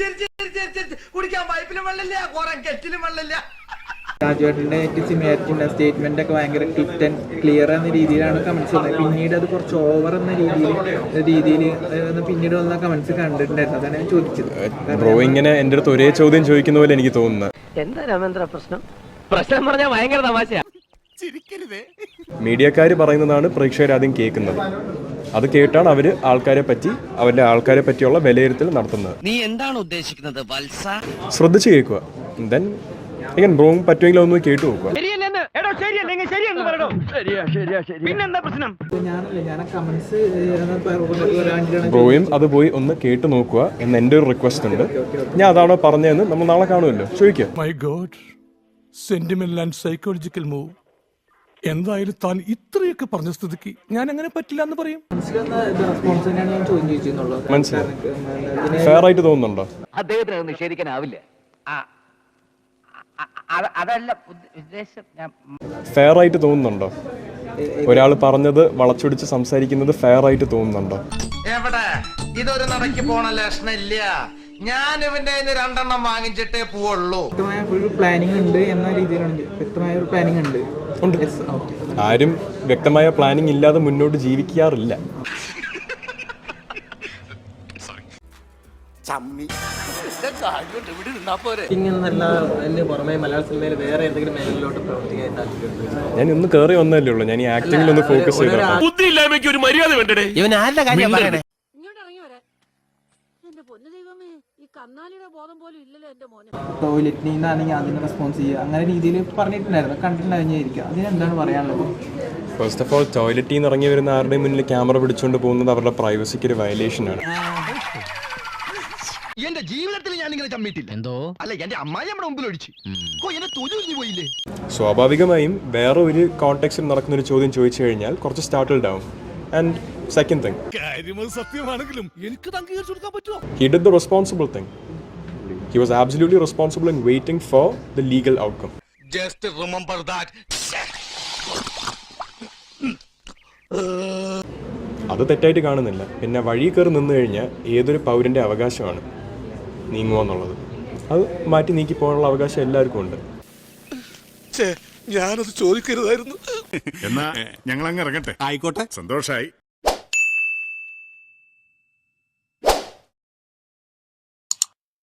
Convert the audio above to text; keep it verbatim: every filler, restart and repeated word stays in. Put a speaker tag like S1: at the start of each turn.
S1: കുടിക്കാൻ പൈപ്പിലും വെള്ളമില്ല, കുറെ കെറ്റിലും വെള്ളമില്ല.
S2: രാജുവേട്ടൻ്റെ സിമിലാരിറ്റി സ്റ്റേറ്റ്മെന്റ് ഒക്കെ ഭയങ്കര ക്ലിറ്റ് ആൻഡ് ക്ലിയർ എന്ന രീതിയിലാണ് കമന്റ്സ് വന്നത്. പിന്നീട് അത് കുറച്ച് ഓവർ എന്ന രീതിയിൽ രീതിയിൽ പിന്നീട് വന്ന കമന്റ്സ് കണ്ടിട്ടുണ്ടായിരുന്നു. അതാണ് ഞാൻ ചോദിച്ചത്.
S3: ബ്രോ ഇങ്ങനെ എൻ്റെ അടുത്ത് ഒരേ ചോദ്യം ചോദിക്കുന്ന പോലെ എനിക്ക് തോന്നുന്നത്.
S4: എന്താ രാമേന്ദ്ര പ്രശ്നം? പ്രശ്നം പറഞ്ഞാൽ ഭയങ്കര തമാശയാ.
S3: മീഡിയക്കാർ പറയുന്നതാണ് പ്രേക്ഷകർ ആദ്യം കേൾക്കുന്നത്. അത് കേട്ടാണ് അവര് ആൾക്കാരെ പറ്റി അവരുടെ ആൾക്കാരെ പറ്റിയുള്ള വിലയിരുത്തൽ നടത്തുന്നത്.
S4: നീ എന്താണ് ഉദ്ദേശിക്കുന്നത് വത്സ?
S3: ശ്രദ്ധിച്ച് കേൾക്കുക. ദെൻ again ബ്രോ പറ്റുമെങ്കിൽ ഒന്ന് കേട്ടു നോക്കുക. ബ്രോയും അത് പോയി ഒന്ന് കേട്ടു നോക്കുക എന്ന് എൻ്റെ ഒരു റിക്വസ്റ്റ് ഉണ്ട്. ഞാൻ അതാണോ പറഞ്ഞതെന്ന് നമ്മൾ നാളെ കാണുമല്ലോ, ചോദിക്കുക.
S5: My god, sentimental and psychological move. എന്തായാലും താൻ ഇത്രയൊക്കെ പറഞ്ഞ സ്ഥിതിക്ക് ഞാൻ അങ്ങനെ പറ്റില്ല എന്ന് പറയും.
S3: മനസ്സിലായി? ഫെയർ ആയിട്ട് തോന്നുന്നുണ്ടോ?
S4: അദ്ദേഹത്തിന് നിഷേധിക്കാനാവില്ല. അതല്ല ഉദ്ദേശം.
S3: ഫെയർ ആയിട്ട് തോന്നുന്നുണ്ടോ? ഒരാൾ പറഞ്ഞത് വളച്ചൊടിച്ച് സംസാരിക്കുന്നത് ഫെയർ ആയിട്ട് തോന്നുന്നുണ്ടോ?
S1: എവിടെ ഇതൊരു നടക്കി പോണ ലക്ഷണില്ല. ഞാൻ ഇവന്റെ രണ്ടെണ്ണം വാങ്ങിച്ചിട്ടേ പോവുള്ളൂ.
S2: ഒരു പ്ലാനിങ് ഉണ്ട് എന്ന രീതിയിലാണ്. വ്യക്തമായ ഒരു പ്ലാനിങ് ഉണ്ട്.
S3: ആരും വ്യക്തമായ പ്ലാനിങ് ഇല്ലാതെ മുന്നോട്ട് ജീവിക്കാറില്ല. ഞാൻ ഒന്ന് കേറി വന്നല്ലേ ഉള്ളൂ. ഞാൻ ഈ ആക്ടിംഗിൽ ഒന്ന് ഫോക്കസ് ചെയ്ത
S2: ടോയ്ലറ്റിൽ നിന്നാണെങ്കിൽ അതിന് റെസ്പോൺസ് ചെയ്യുക, അങ്ങനെ രീതിയിൽ പറഞ്ഞിട്ടുണ്ടായിരുന്നു, കണ്ടിട്ടുണ്ടായിരിക്കും. അതിനെന്താണ് പറയാനുള്ളത്?
S3: ഫസ്റ്റ് ഓഫ് ഓൾ, ടോയ്ലറ്റിൽ നിന്ന് ഇറങ്ങി വരുന്ന ആരുടെയും മുന്നിൽ ക്യാമറ പിടിച്ചുകൊണ്ട് പോകുന്നത് അവരുടെ പ്രൈവസിക്ക് ഒരു വയലേഷൻ ആണ്.
S1: എന്റെ ജീവിതത്തിൽ ഞാൻ ഇങ്ങനെ ചമ്മിട്ടില്ല. എന്തോ അല്ല, എന്റെ അമ്മായി നമ്മുടെ മുമ്പിൽ ഒഴിച്ചു പോയില്ലേ.
S3: സ്വാഭാവികമായും വേറെ ഒരു കോണ്ടെക്സ്റ്റിൽ നടക്കുന്ന ഒരു ചോദ്യം ചോദിച്ചു കഴിഞ്ഞാൽ കുറച്ച് സ്റ്റാർട്ടിൽഡ് ആവും. ആൻഡ് സെക്കൻഡ് തിങ്,
S5: സത്യമാണെങ്കിലും എനിക്ക് അംഗീകരിച്ചു കൊടുക്കാൻ പറ്റുമോ?
S3: he did the responsible thing. He was absolutely responsible in waiting for the legal outcome.
S1: Just remember that.
S3: അത് തെറ്റായിട്ട് കാണുന്നില്ല. പിന്നെ വഴി കയറി നിന്ന് കഴിഞ്ഞാൽ ഏതൊരു പൗരൻ്റെ അവകാശമാണ് നീങ്ങുക എന്നുള്ളത്. അത് മാറ്റി നീക്കി പോകാനുള്ള അവകാശം എല്ലാവർക്കും ഉണ്ട്.
S5: ഞാനത് ചോദിക്കരുതായിരുന്നു.
S6: എന്നാ ഞങ്ങൾ അങ്ങ് ഇറങ്ങട്ടെ. ആയിക്കോട്ടെ, സന്തോഷായി.